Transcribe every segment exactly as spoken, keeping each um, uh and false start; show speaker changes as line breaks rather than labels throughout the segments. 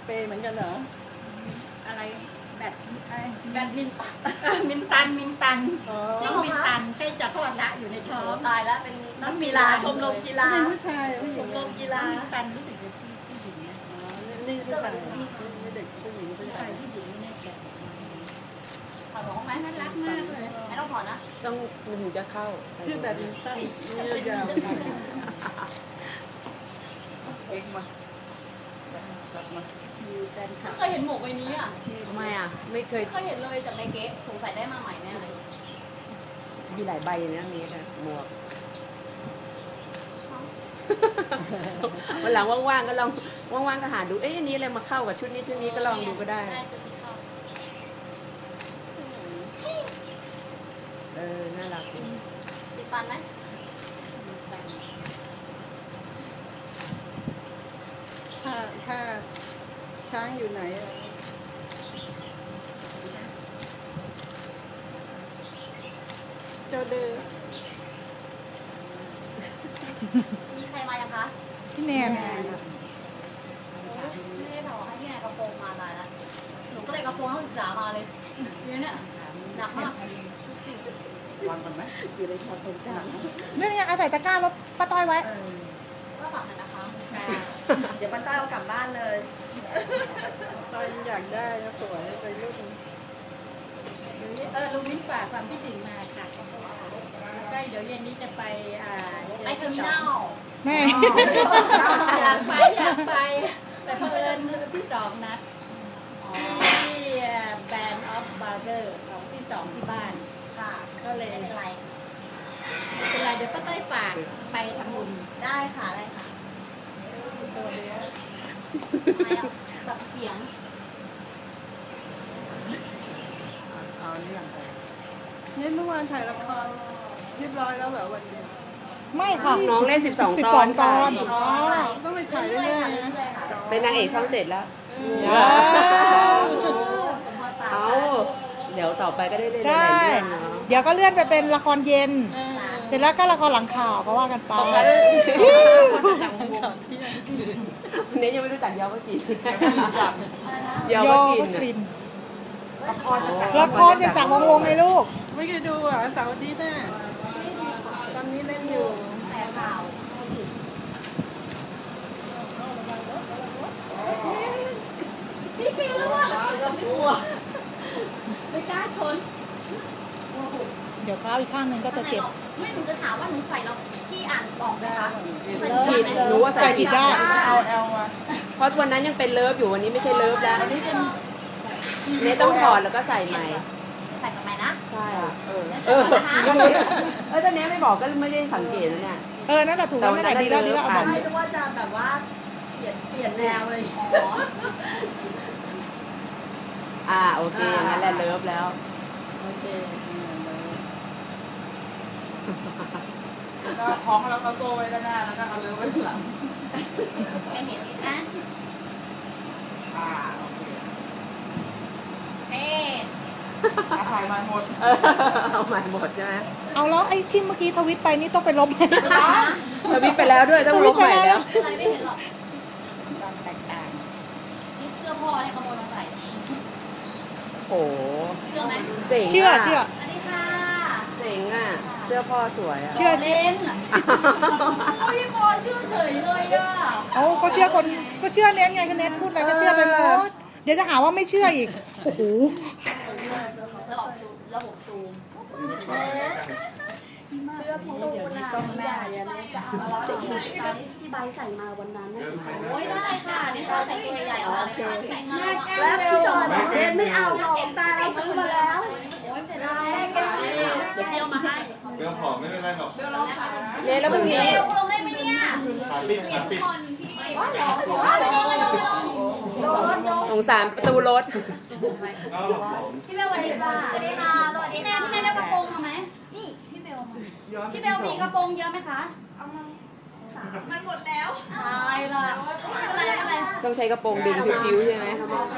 เปเหมือนกันเหรออะไรแบด
แบดมิน
มินตันมินตันน้องมินตันใกล้จะคลอดละอยู่ในท้อง
ตายแล้วเป็นนักกีฬาชมรมกีฬา
เป็นผู้ชาย
ชมรมกีฬา
มินตันรู้สึกจะผู้หญิงนะนี่ผู้ชายเด็กผู้หญิงผู้ชายผู้หญิงไม่แน่ใจ
ถอดหมวกไหม
น่ารักมากเลย
ไม่ต้องถอดนะ
ต้องมันถึงจะเข้า
ชื่อแบบมินตันยาว
เอ็กมา
เคยเห็นหมวกใบนี้อ่ะ
ทำไมอ่ะไม่เคย
เคยเห็นเลยจากในเก๊ะสงสัยได้มาใหม่แน่เลย
มีหลายใบนะนี้นะหมวกวันหลังว่างๆก็ลองว่างๆก็หาดูเอ๊ะอันนี้อะไรมาเข้ากับชุดนี้ชุดนี้ก็ลองดูก็ได้เออน่ารัก
ติดฟันไหม
ถ้าถ้าช้างอยู่ไหนโจเดอร์
มีใครมายังคะ
พี่แนน
ไม่ได้ถอดให้พี่แนนกระโปรงมาตายแล้วหนูก็เลยกระโปรงต้องศึกษามาเลยเนี่ยหนักมากสิ่ง
วางกันไหมอยู่ในชอตตรงกลาง
เรื่องนี้อาศัยตะกร้ารถป้าต้อยไว้
ก็ฝากหน่อยนะคะเดี๋ยวป้าต้อยเอากลับบ้านเลย
ต้อยอยากได้นะสวยไปรุ่นเออลุงมิ้นฝากความคิดถึงมาค่ะใกล้เดี๋ยวเย็นนี้จะไปอ่า
ไปเทอร์มินัล
แม่
อยากไปอยากไปแต่เพื่อนที่สองนัดที่แบรนด์ออฟบาร์เกอร์ของที่สองที่บ้าน
ค่ะ
ก็เลย
เป็นไร
เป็นไรเดี๋ยวป้าต้อยฝากไปทำบุญ
ได้ค่ะได้ค่ะอะไรอ่ะแบบเสียง
เอาเรื่องไปเนี่ยเมื่อวานถ่ายละครเรียบร้อยแล้วเหรอวันนี้
ไม่ค่ะ
น้องเล่นสิบสองตอน
ตอน
อ๋อต้องไปถ่ายเรื่อย
ๆเป็นนางเอกช่องเจ็ดแล้วเอาเดี๋ยวต่อไปก็ได้เล่นหลายเรื่องเนาะ
เดี๋ยวก็เลื่อนไปเป็นละครเย็นเสร็จแล้วก็ละครหลังข่าวก็ว่ากันไป
วันนี้ยังไม่รู้จักยาวก็กิน
ยาวก็กินละครจะจากวงวงไงลูก
ไม่เคยดูอ่ะเสาร์อาทิตย์น่ะตอนนี้เล่นอยู่
แต่ข่าวพี่ปีแล้วว่ะไม่กลัวไม่กล้าชน
เดี๋ยวข้าวอีกข้างนึงก็จะเจ็บ
ไม่หนูจะถามว่าหนูใส่แล้วพี่อ่านบอกไหมคะใส่
ผิดรู้ว่าใส่ผิดได้
เอาเอลมา
เพราะวันนั้นยังเป็นเลิฟอยู่วันนี้ไม่ใช่เลิฟแล้วเนี่ยต้องถอดแล้วก็ใส่ใหม่
ใส่ใหม่นะ
ใช่เออเออเออตอนนี้ไม่บอกก็ไม่ได้สังเกตนะเนี่ย
เออนั่นแหละถูกแล้วนั่นแหละดีแล้วดีแล้วเอาบอก
ไม่รู้ว่าจะแบบว่าเปลี่ยนเปลี่ยนแนวเลย
อ่าโอเคงั้นแหละเลิฟแล้ว
โอเคก็คล้องแล้วก็โซ่ไว้ด้านหน้าแล้วก็เอาเลิฟไว้ข้างหลัง
ไม่เห็นนะ
อ่าโอเค
เฮ้
ถ่ายมาหมด
เอาใหม่หมดใช่ไหม
เอาแล้วไอ้ที่เมื่อกี้ทวิตไปนี่ต้องไปลบไหม
ทวิตไปแล้วด้วยต้องลบใหม่แล้ว
อะไรไม่เห็นหรอกนี่เสื้อพ่อเนี่ยขโมยมาใส่
โอ้
เชื่อไหม
เชื่อเชื่อ
อันนี้ค่ะ
เจ๋งอ่ะเสื้อพ่อสวยอ่ะ
เชื่อเชื่อ
พี่พ่อเชื่อเฉยเลยอ่ะ
เอาก็เชื่อคนก็เชื่อเน้นไงก็เน้นพูดอะไรก็เชื่อไปหมดเดี๋ยวจะหาว่าไม่เชื่ออีกโอ้โห
ระบบซูมระบบซูมเสื้อพี่ตูน
ต้องแม่ยัน
จะเอาแล้วที่ใบใส่มาวันนั้นโอ้ยได้ค่ะนี่ชอบใส่ตัวใหญ่ออกเลย
แล้วพี่จอยบอกเล่นไม่เอาหรอกตาเราซื้อมาแล้ว
โอ้ยเสร็จแล้ว
เดี๋ยวเที่ยวมาให้
เบลผอมไม่เป็นไรหรอก
เนี่ยแล้วพรุ่งนี้
ลงได้ไหมเนี่ย
ขาปิดขาปิด
สงสารประตูรถ
พี่เบลสวัสดีค่ะสวัสดีค่ะสวัสดีแนนพี่แนนได้กระโปรงมาไหมนี่พี่เบลพี่เบลมีกระโปรงเยอะไหมคะเอามามันหมดแล้วตายละอะไรอะไร
ต้องใช้กระโปรงดึงผิวๆใช่ไหม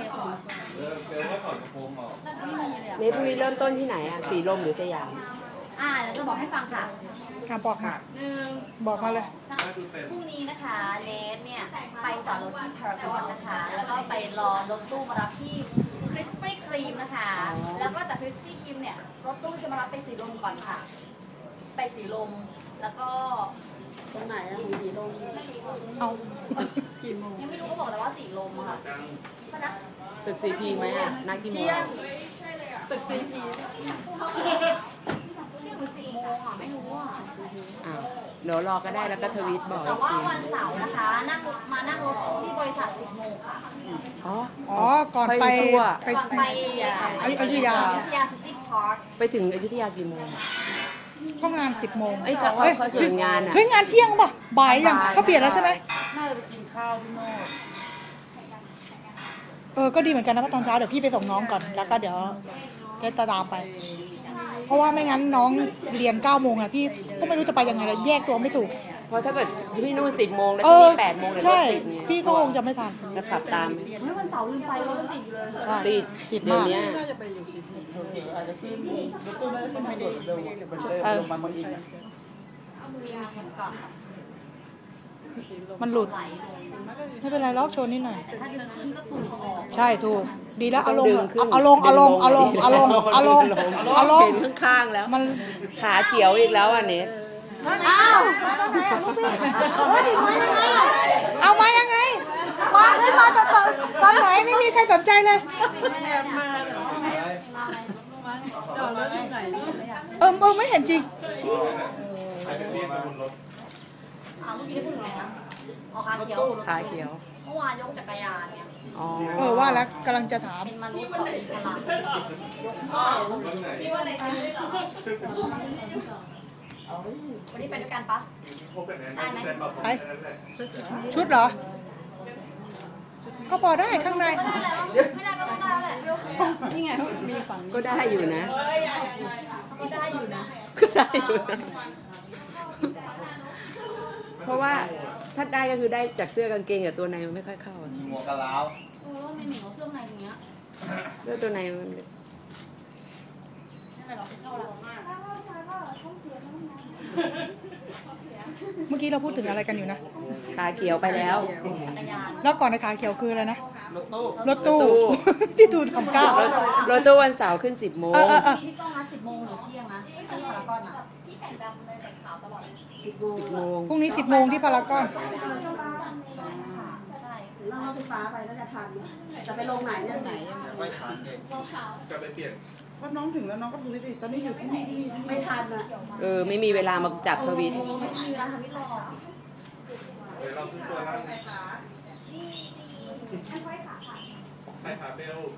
เนี่ยพรุ่งนี้เริ่มต้นที่ไหนอ่ะสีลมหรือสยาม
อ่าเดี๋ยวจะบอกให้ฟังค่ะ
อ่ะบอกมา
หนึ่ง
บอกมาเลย
พรุ่งนี้นะคะเนทเนี่ยไปจอดรถที่พารากอนนะคะแล้วก็ไปรอรถตู้มารับที่คริสปี้ครีมนะคะแล้วก็จากคริสปี้ครีมเนี่ยรถตู้จะมารับไปสีลมก่อนค่ะไปสีลมแล้วก็
ตรงไหนอะของสีลม
เอากี่โมง
ยังไม่รู้เขาบอกแต่ว่าสีลมอะค่ะก็นะ
ตึกซีพีไหมอ่ะนักกี่โมง
ตึกซีพี
ที่มันสี่โมงอ่ะไม่รู้อ่ะ
อ้าวเดี๋ยวรอก็ได้แล้วก็ทวีตบอก
แต่
อีก
ว่า
ที
วันเสาร์นะคะนั่งมานั่งรถตู้ที่บริษัทสิบโมงค่ะ
อ๋อ
อ๋อ ก่อนไป
ไปทั่ว
ไป
ก่อนไป
อยุธยา
อยุธยาซิตี้พาร์ค
ไปถึงอยุธยากี่โมง
เข้างานสิบโมง
เอ้ยเขาเขาเขาส่วนงานอ่ะ
เฮ้ยงานเที่ยงป่ะบ่ายยังเขาเปลี่ยนแล้วใช่ไหม
น่าจะไปกินข้าวพี่โมด
เออ ก็ดีเหมือนกันนะว่าตอนเช้าเดี๋ยวพี่ไปส่งน้องก่อน แล้วก็เดี๋ยวได้ตามไป เพราะว่าไม่งั้นน้องเรียนเก้าโมงอะพี่ก็ไม่รู้จะไปยังไงเลยแยกตัวไม่ถูก
เพราะถ้าเกิดที่นู่นสิบโมงแล้ว
เอ
ที่
อ
นี่แปดโมงเลยรถ
ใช่
ติดเนี่ย
พี่ก็คงจะไม่ทัน
แล้วขับตาม
เฮ้ยวันเสาร์ลืมไปรถติดอยู่เลย
ใช่
ติด
ติด
เดี๋ย
มาว ก
เนี้ย
น่าจะไปอยู่สิบโมง
เออ
ก่อน
มันหลุด
ไหลลง
ไม่เป็นไรล็อกโชว์นิดหน่อย
แต่ถ้าดึงขึ้นก็ตุ่มออก
ใช่ถูก ดีแล้วเอาลง
ดึงขึ้น
เอาลงเอาลงเอาลงเอาลงเอาลงเอาลง
เห็นข้างๆแล้ว
มัน
ขาเขียวอีกแล้วอ่ะเน็ต
อ้าวมาตอนไหนอ่ะลูกพี่เฮ้ยมายังไงอ่ะเอามายังไงมาให้มาตอนตอนตอนไหนไม่มีใครสนใจเลย
แอบมาเหรอ
มาไหม
จอดรถที่ไหน
เออเออไม่เห็นจริง
ใครเป็นเรียกไปบนรถ
อ่าเมื่อกี้ได้พูดถึงไหนนะอ๋อขาเขียว
ขาเขียว
เมื่อวานยกจักรยานเนี่ย
อ๋อ
เออว่าแล้วกำลังจะถาม
เป็นมนุษย์ต่อมีพลัง
รถไหน
พี่ว่าในชีวิตเหรอวันนี้ไปด้วยกันปะ
พบกันแน่นอนได้ปรับผมแค่นั้นแหละ
ชุดเหรอ ก็พอได้ข้างใน
ก็ได้แหละไม่ได้ก็ต้องได้แหละ
นี่ไงมีฝั่ง
ก็ได้อยู่นะ
ก็ได้อยู่นะ
ก็ได้อยู่นะ เพราะว่าถ้าได้ก็คือได้จากเสื้อกางเกงกับตัวในมันไม่ค่อยเข้าอะ
หมวกกะลาว
เออไม่เหนียวเสื้อในอย่างเงี้ย
เสื้อตัวในมัน
นั่นแหละเราเข้าแล้ว
เมื่อกี้เราพูดถึงอะไรกันอยู่นะ
ขาเขียวไปแล้ว
จักรยาน
แล้วก่อนในขาเขียวคืออะไรนะ
รถตู้
รถตู้
รถตู้
ที่ตูทำก้าว
รถรถตู้วันเสาร์ขึ้นสิบโมง
เออเออเออ
พี่ต้องนัดสิบโมงหรือเที่ยงนะที่พารากอนอ่ะพี่แต่งดำเลยแต่งขาวตลอด
สิบโมง
พรุ่งนี้สิบโมงที่พารากอน
ใช่ค่ะใช่
นั่งรถไฟฟ้าไปน่าจะทันจะไปลงไหนลงไหนยังไง
ไม่ทันเองกลับไปเปลี่ยน
เพราะน้องถึงแล้วน้องก็ดูสิตอนนี้อยู่ที่นี่ไม่ทันอ่ะ
เออไม่มีเวลามาจับทวิต
โอ้ไม่มีร้านทวิตหรอก
เดี๋ยวเราขึ้นตัวแล้วไปหาเบล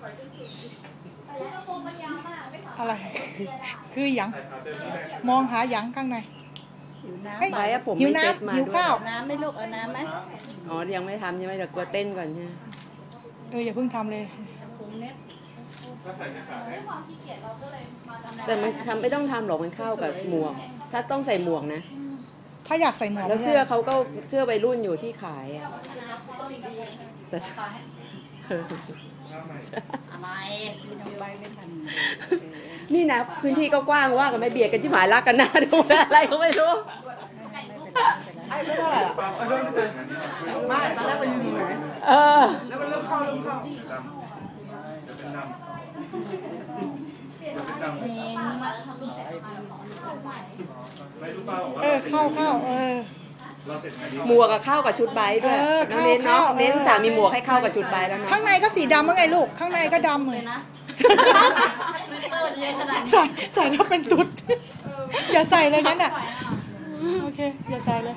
อะไร คือหยัง
ไปหาเบลนี่แหละ
มองหาหยังข้างใน
หิวน้
เฮ้ย
ไปอะผม
หิว
ไม่เซ็ตมา
น้ำหิว
ด้วย
ข้าว
ำน้ำไหม่ลูกเอาน้ำไหม
อ๋อยังไม่ทำใช่ไหมเดี๋ยวกลัวเต้นก่อนใช่ไหม
เอออย่าเพิ่งทำเลย
ผมเน็ต
ถ้าใส่ไม่ขาดให้
ความขี้เกียจเราก็เลยมาทำ
แต่มันทำไม่ต้องทำหรอกมันเข้ากับหมวก ถ้าต้องใส่หมวกนะ
ถ้าอยากใส่หมวก
แล้วเสื้อเขาก็เสื้อวัยรุ่นอยู่ที่ขายอะแต่
หน้าใหม่
อะไร
พี่น้องใบไม่ทัน
นี่นะพื้นที่ก็กว้างว่ากันไม่เบียดกันที่หมายรักกันหน้าดูอะไรก็ไม่รู้
ไอ้ไม่เท่าไหร่หรอก
ปั๊บเอาด้วยกันนี่
ไม่ตอนแรกมันอยู่ไหน
เออ
แล้วมันเริ่มเข้าเริ่มเข้า
ดำจะเป็นดำจะเป็นดำ
เพลงมาทำรูปแต่
ไม่รู้เปล่าว่า
เออเข้าเข้าเออ
เราเสร็จไหม
หมวกกับเข้ากับชุดไบค์ด้วย
เออ
น้องเน้นเนาะ
เข้าเข้า
เน้น
เออ
สามีหมวกให้เข้ากับชุดไบค์แล้วเนาะ
ข้างในก็สีดำว่าไงลูก ข้างในก็ดำ
เล
เลย ย
นะทวิตเตอร์เยอะขนาดนี้
ใส่ใส่แล้วเป็นตุ๊ด อย่าใส่เลยงั้นอ่ะ โอเค อย่าใส่เลย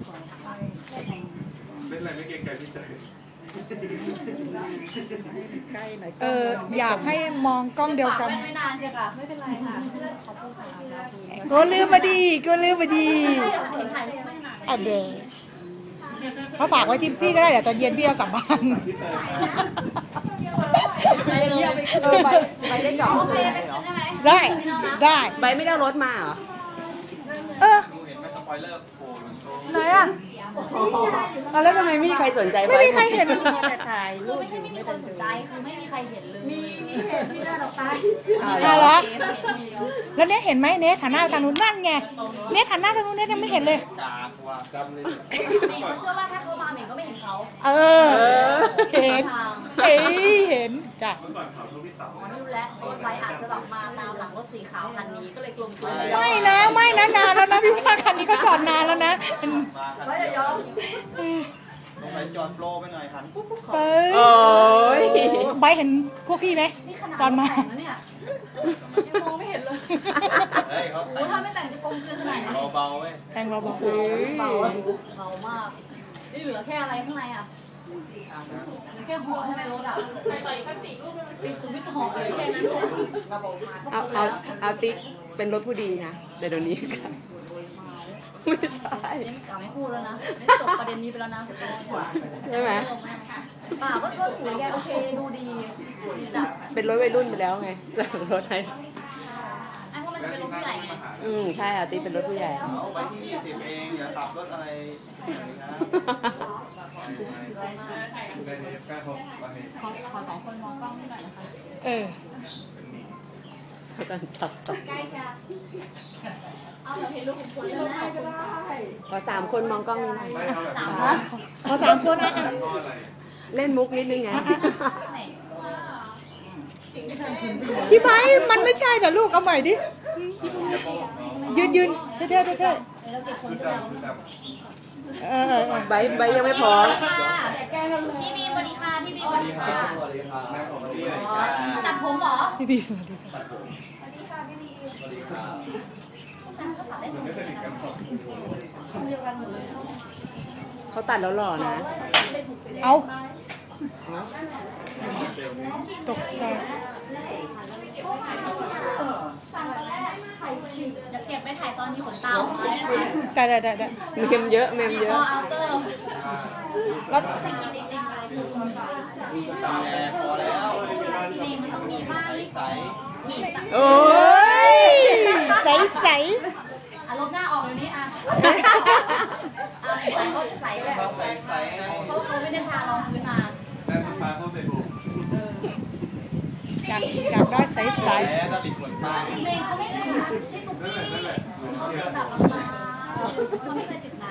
เล่นอะไรไม่เกรงใจพี่เตย
ใกล้หน่อย
เอออยากให้มองกล้องเดียวกัน
ไม่นานใช่ค่ะไม่เป็นไรค่ะขอบคุณค่ะ
ก็ลืมมาดีก็ลืมมาดี
ไม่เดี๋ยวเห็นถ่ายรูปไม่นาน
อ่ะเดยวเขาฝากไว้ที่พี่ก็ได้เดี๋ยวตอนเย็นพี่เอากลับบ้าน
ไปเลย
เออไปไปได้ดอก
โอเคไปคืนได้ไหม
ได้ได้
ใบไม่ได้เอารถมาเหรอ
เออ
ดูเห็นไหมสปอยเลอร์โผล่ลงโต๊ะ
ไหนอ่ะ
เอาแล้วทำไมไม่มีใครสนใจ
ไม่มีใครเห็น
แต่ถ่าย
คื
รู
อ
ป
ไม่ใช่ไม่มีคนสนใจคือไม่มีใครเห็นเลยมีมีเห็นที่หน้าเราไป
อ่า
อ่ะเหรอ
เห็นเดียว
แล้วเนทเห็นไหมเนทหันหน้าไปทางนู้นนั่นไงเนทหันหน้าทางนู้นเนทยังไม่เห็นเลย
กากว่าดำเลย
เขาเชื่อว่าถ้าเขามาเหม่งก็ไม่เห็นเขา
เออ เห็น
ทาง
เอ้ยเห็นจ้ะ
เมื่อก่อนเขาลูกพี่เต๋า
อ๋อนี่รู้แล้วรถไฟอาจจะแบบมาตามหลังรถสีขาวคันนี้ก็เลยกลมกลืนไป
ไม่นะไม่นะนานแล้วนะพี่ว่าคันนี้เขาจอดนานแล้วนะ
มาคัน
ไม่
เดี
จะ
ย
ย
ว
อม
ลงไปจอดโปรไปหน่อยหันปุ๊บปุ๊บเขา
เป้
โอ้ย
ใบเห็นพวกพี่ไหม
นี่ขนาด
ตอนมา
แต่งแล้วเนี่ยยังมองไม่เห็นเลย
เฮ้ยเขา
โอ้ถ้าไม่แต่งจะกลมกลืนขนาดไหนเนี่ย
เบาๆเว้ย
แทงเราบอก
เบาเบามากนี่เหลือแค่อะไรข้างในอ่ะเหลือแค่หัวใช่ไหมรถอ่ะปิดสวิตช์หอบเลยแค่นั้นเลย
เอาเอาเอาติ๊กเป็นรถผู้ดีนะแต่เดี๋ยวนี้ไม่ใช่
นี่กล่าวไม่พูดแล้วนะนี่จบประเด็นนี้ไปแล้วนะ
ใช่ไหม
ป่าก็ก็สวยแกโอเคดูดีดีจัด
เป็นรถวัยรุ่นไปแล้วไงจากรถไทย
ไอ้พวกมันจะเป็นรถผู้ใหญ่ไง
อืมใช่เอาติ๊กเป็นรถผู้ใหญ่
เอาไปที่ยี่สิบเองอย่าขับรถอะไรนะ
ได้ในแป้งเขาวันนี้
ขอขอสองคนมองกล้องนิดหน่อยนะคะ
เออ
ตอนจับสอง
ใกล้จ้ะเอาเราเห็นรูปของคุณแล้วนะ
ขอสามคนมองกล้องนี้หน่อย
ไม่เอาแบบ
สาม
นี้
ขอสามคนนะอ่ะ
พ่ออะไร
เล่นมุกนิดนึงไง
ไหน
พี่ไบร์ทมันไม่ใช่เหรอลูกเอาใหม่ดิยืนยืนเท่ๆเท่ๆ
เราเก็บคน
ชุด
เดียว
ดำชุดดำ
เออเออเออ
ใบใบยังไม่พร้อม
พี่บีสวัสดีค่ะพี่บีสวัสดีค่ะ
สวัสดีครับ
แม่ของพี่
ตัดผมเหรอ
พี่บีสวัสดีค่ะ
สวัสดีครับ
ฉันก็ตัดได้ส
ไม่
วย
สนิทกันหรอก
คนเดียวกันหมดเลย
เขาตัดแล้วหล่อนะ
เอาตกใจ
เดี๋ยวเก็บไปถ่ายตอนนี้ขนตาออกมาได้ไหม
ได้ได้ได้ได้
เมมเยอะเมม
มี
เย
ค
อะ
ออัลเตอร์
แล้ว
แอร์พอแล้ว
เพลงมันต้องมีบ้าง
ใส
มีสัก
โอ้
เฮ้
ย
ยใสใส
อารมณ์หน้าออกเลยนี่อ่ะอ่ะใส่เขาใส่แบบ
ๆเขาใสใสไง
เขาเขาไม่ได้ทารองพื้นมา
แม่คุณป้าเขาใส่บุก
อยากอยากได้ใสใส
แผลก็ติดขนตา
เพลงเขาไม่ได้ที่ตุ๊กกี้เขาติดแบบราคาเขาไม่เคยติดหนา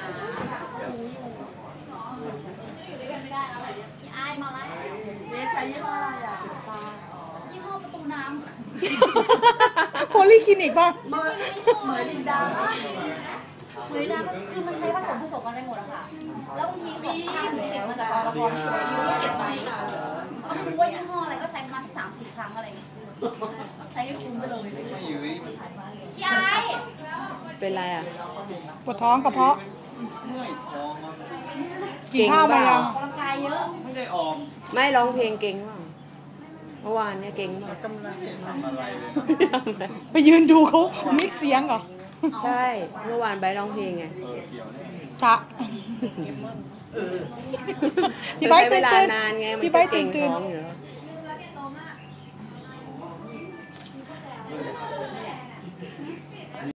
อยู่ด้วยกันไม่ได้แล้วพี่อายมาแล้วเวชใช้ยี่ห้ออะไรอ่ะยี่ห้อประตูน้ำ
โพลีคลินิกป่ะ
เหมยเหมยลินดาเหมยลินดาคือมันใช้ผสมผสมกันไปหมดอะค่ะ แล้วบางทีของช่างเก็บมาจากกองละครสวยดีก็เก็บไว้เอาไม่รู้ว่ายี่ห้ออะไรก็ใช้ประมาณสักสามสี่ครั้งอะไรอย่างเงี้ยใช้ให้คุ้มไปเลย
ไม่อยู่นี่มัน
พี่ไอ้
เป็นไรอ่ะ
ปวดท้องกระเพาะ
เมื่อยท้องมัน
กินข้าวมายัง
ออกกำลังกายเยอะ
ไม่ได้ออก
ไม่ร้องเพลงเก่งเปล่าเมื่อวานเนี่ยเก่งเปล่า
ไม่ได้ทำอะไรเลยนะ
ไปยืนดูเขามิกเสียงเหรอ
ใช่ เมื่อวานใบร้องเพลงไง
เออเกี่ยวเนี่ย
จ้ะพี่ไบร์ทตื่น
ใช้
ตื่
เวน ลานานไงมัน
พี่ไบร์ท
ก็เก่
ตื่
ง
นตื่น
ท้องอยู่แล้ว
เ